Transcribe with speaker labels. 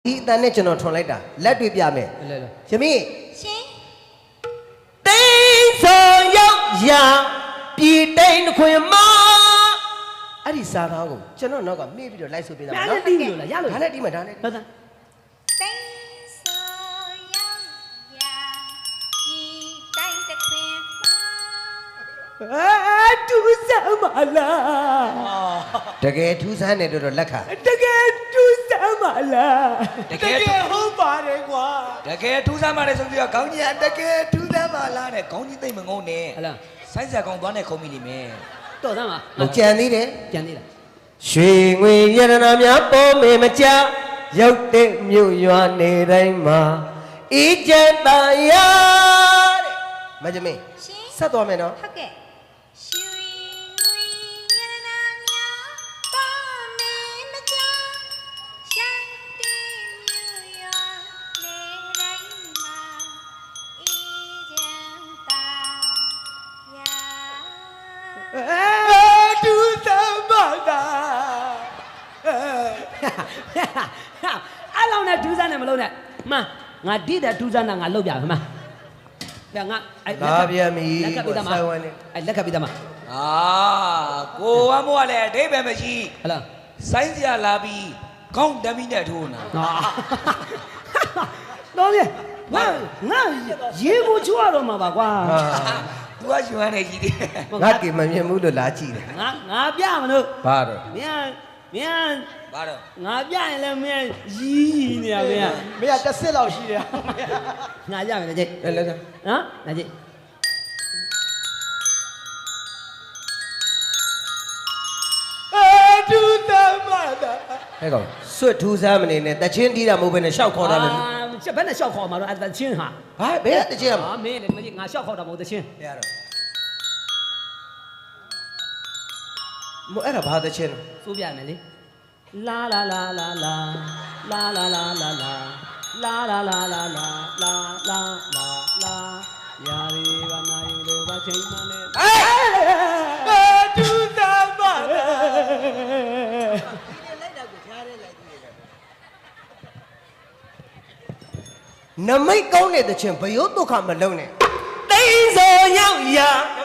Speaker 1: ဒီအတန်းနဲ့ကျွန်တော်ထွန်လိုက်တာလက်တွေ့ပြမယ်ယမိ
Speaker 2: ရှင်
Speaker 1: တိန်ဆောင်ရောက်ရာပြည်တိန်ခွင်မအဲ့ဒီစာသားကိုကျွန်တော်နောက်ကမေ့ပြီးတော့လိုက်ဆိုပေးတာနော်
Speaker 3: ဒါနဲ့တီးလို့လားရလို့
Speaker 1: ဒါနဲ့တီးမှာဒါနဲ့
Speaker 3: ဟုတ်သား
Speaker 2: တိန်ဆောင်ရောက်ရာပြည်တိုင်းတစ်ခွင်မှာ
Speaker 3: တူးစမ်းမလား
Speaker 1: တကယ်ထူးဆန်းတယ်တော့လက်ခါ
Speaker 3: တကယ်တူးစမ်းမလား
Speaker 4: တကယ်ဟုတ်ပါတယ်ကွာတကယ်ထူးဆန်းပါတယ်ဆိုပြီးတော့ခေါင်းကြီးကတကယ်ထူးဆန်းပါလားတဲ့ခေါင်းကြီးသိမ့်မငုံနဲ့
Speaker 3: ဟလား
Speaker 4: ဆိုင်းဆက်ကောင်သွားနဲ့ခုံမိလိမ့်မယ်
Speaker 3: တော့သားမ
Speaker 1: ကြံသေးတယ်
Speaker 3: ကြံသေးလား
Speaker 1: ရွှေငွေရတနာများပေါ်မေမကြရောက်တဲ့မြို့ရွာနေတိုင်းမှာအေးချမ်းသာရတဲ့မကြမင်းဆက်သွားမယ်နော်
Speaker 2: ဟုတ်ကဲ့ရွှေငွေရတနာများပေါ်မေမကြရောက်တဲ့မြို့ရွာနေတိုင်းမှာအေးချမ်းသာရ
Speaker 3: တူးစမ်းမလားအဲ့လောက်နဲ့တူးစမ်းနေမလို့နဲ့မှန်ငါဒီတဲ့တူးစမ်းတာငါလောက်ပြမှာဒါငါအဲ့
Speaker 1: လာပြန်ပြီ
Speaker 3: လက်ကပ်ပြီးသားမအဲ့လက်ကပ်ပြီးသားမ
Speaker 4: အာကိုဝမ်းမိုးကလည်းအဓိပ္ပာယ်မရှိ
Speaker 3: ဟလား
Speaker 4: ဆိုင်းစရာလာပြီးခေါင်းတမ်းပြီးနဲ့ထိုးနာ
Speaker 3: တော့လေငါရေကိုချွတ်ရတော့မှာပါကွာ
Speaker 4: သူကရှင်ရနေကြီးတယ်
Speaker 1: ငါကင်မမြင်ဘူးလို့လာကြည့်တယ်
Speaker 3: ငါပြမလို့
Speaker 1: ဘာတော့
Speaker 3: မင်း
Speaker 4: ဘာတော့
Speaker 3: ငါပြရင်လည်းမင်းရီးနေရမင်း
Speaker 5: တစ်စစ်လောက်ရှိတယ်
Speaker 3: ငါရမယ်ကြိတ်
Speaker 1: လဲ
Speaker 3: နော်နာကြိတ်
Speaker 5: တူတမတာ
Speaker 1: ဟဲ့ကောင်စွတ်ထူးဆန်းမနေနဲ့တချင်းတီးတာမဟုတ်ဘဲနဲ့ရှောက်ခေါ်တာလေ
Speaker 3: ဘယ်နဲ့ရှောက်ခေါ်မှာတော့အဲ့တချင်းဟာ
Speaker 1: ဘာဘယ်တချင်း
Speaker 3: ဟာမင်းလည်းငါရှောက်ခေါ်တာမဟုတ်တချင်း
Speaker 1: ရတော့မအဲ့ဒါဘာတချင်း
Speaker 3: စိုးပြမယ်လေလာလာလာလာလာလာလာလာလာလာလာလာလာလာလာလာလာလာလာယာရီဘာနာယူလို့ဘာချိန်မှလဲ
Speaker 5: တူတမတာ
Speaker 1: နမိတ်ကောင်းတဲ့တချင်းဘယုတ်ဒုက္ခမလုံးနဲ့တိန်စောရောက်ရာ